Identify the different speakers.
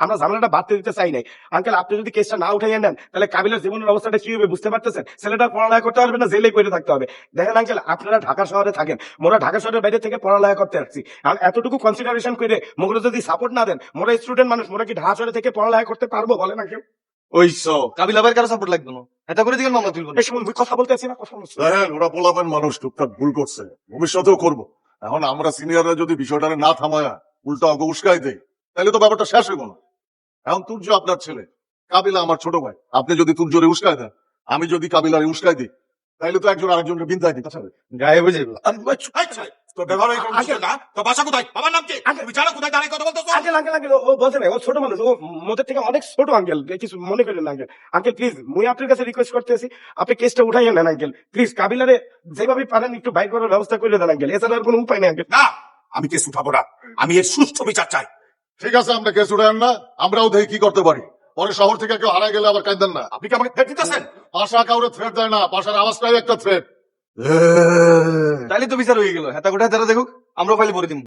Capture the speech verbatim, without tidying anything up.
Speaker 1: আমরা ঝামেলাটা বাড়তে দিতে চাই নাই। আঙ্কেল, আপনি যদি কেসটা না উঠাইয়া নেন তাহলে কাবিলার জীবনের অবস্থাটা কি হবে বুঝতে পারতেছেন? ছেলেটা পড়ালেখা করতে পারবে না, জেলে করে থাকতে হবে। দেখেন আঙ্কেল, আপনারা ঢাকা শহরে থাকেন, মোরা ঢাকা শহরের বাইরে থেকে পড়ালেখা করতে আসছি। আর এতটুকু কনসিডারেশন করে মোগুলো যদি সাপোর্ট না দেন, মোরা স্টুডেন্ট মানুষ, মোরা কি ঢাকা শহরে থেকে পড়ালেখা করতে পারবো বলেন আঙ্কেল?
Speaker 2: ওই সো কাবিল আবার কারো সাপোর্ট লাগবে না, এটা করে দিবেন মামলা তুলবো না।
Speaker 1: এই সময় মুই কথা বলতে আছি না, কথা বলছি।
Speaker 3: দেখেন ওরা পোলাপেন মানুষ, টুকটাক ভুল করছে, ভবিষ্যতেও করবো। এখন আমরা সিনিয়ররা যদি বিষয়টা না থামায় উল্টা অঙ্ক উস্কাই দেয় তাহলে তো ব্যাপারটা শেষ হইব না। এখন তুর্য আপনার ছেলে, কাবিলা আমার ছোট ভাই। আপনি যদি তুর্যরে উস্কাই দেন, আমি যদি কাবিলারে উস্কাই দিই, তাহলে তো একজন আরেকজনকে বিন্দায় দিতে হবে।
Speaker 2: গায়ে বুঝে
Speaker 3: তোর ব্যবহার এই কোন বিষয় না? তোর বাসা কোথায়? বাবার নাম কি? তুমি জানো কোথায় দাঁড়িয়ে কথা বলতেছো?
Speaker 1: আঙ্কেল আঙ্কেল আঙ্কেল, ও বলছে না, ও ছোট মানুষ, ও মোদের থেকে অনেক ছোট আঙ্কেল, কিছু মনে করেন না আঙ্কেল। আঙ্কেল প্লিজ, মুই আপনার কাছে রিকোয়েস্ট করতেছি, আপনি কেসটা উঠাইয়া নেন আঙ্কেল প্লিজ। কাবিলারে যেভাবে পারেন একটু বাইর করার ব্যবস্থা করে দেন আঙ্কেল, এছাড়া আর কোনো উপায় নেই আঙ্কেল।
Speaker 4: না, আমি কেস উঠাবো না, আমি এর সুষ্ঠু বিচার চাই।
Speaker 3: ঠিক আছে, আমরা কেস উঠায়েন না, আমরাও দেখি কি করতে পারি। পরে শহর থেকে কেউ হারাই গেলে আবার কাঁদেন না।
Speaker 4: আপনি কি আমাকে থ্রেট দিতেছেন?
Speaker 3: পাশা কাউরে থ্রেট দেয় না, পাশার আওয়াজটাই একটা থ্রেট।
Speaker 2: তাইলে তো বিচার হয়ে গেল। হেতা কোথায় তারা দেখুক, আমরা ফাইলে ভরে দিব।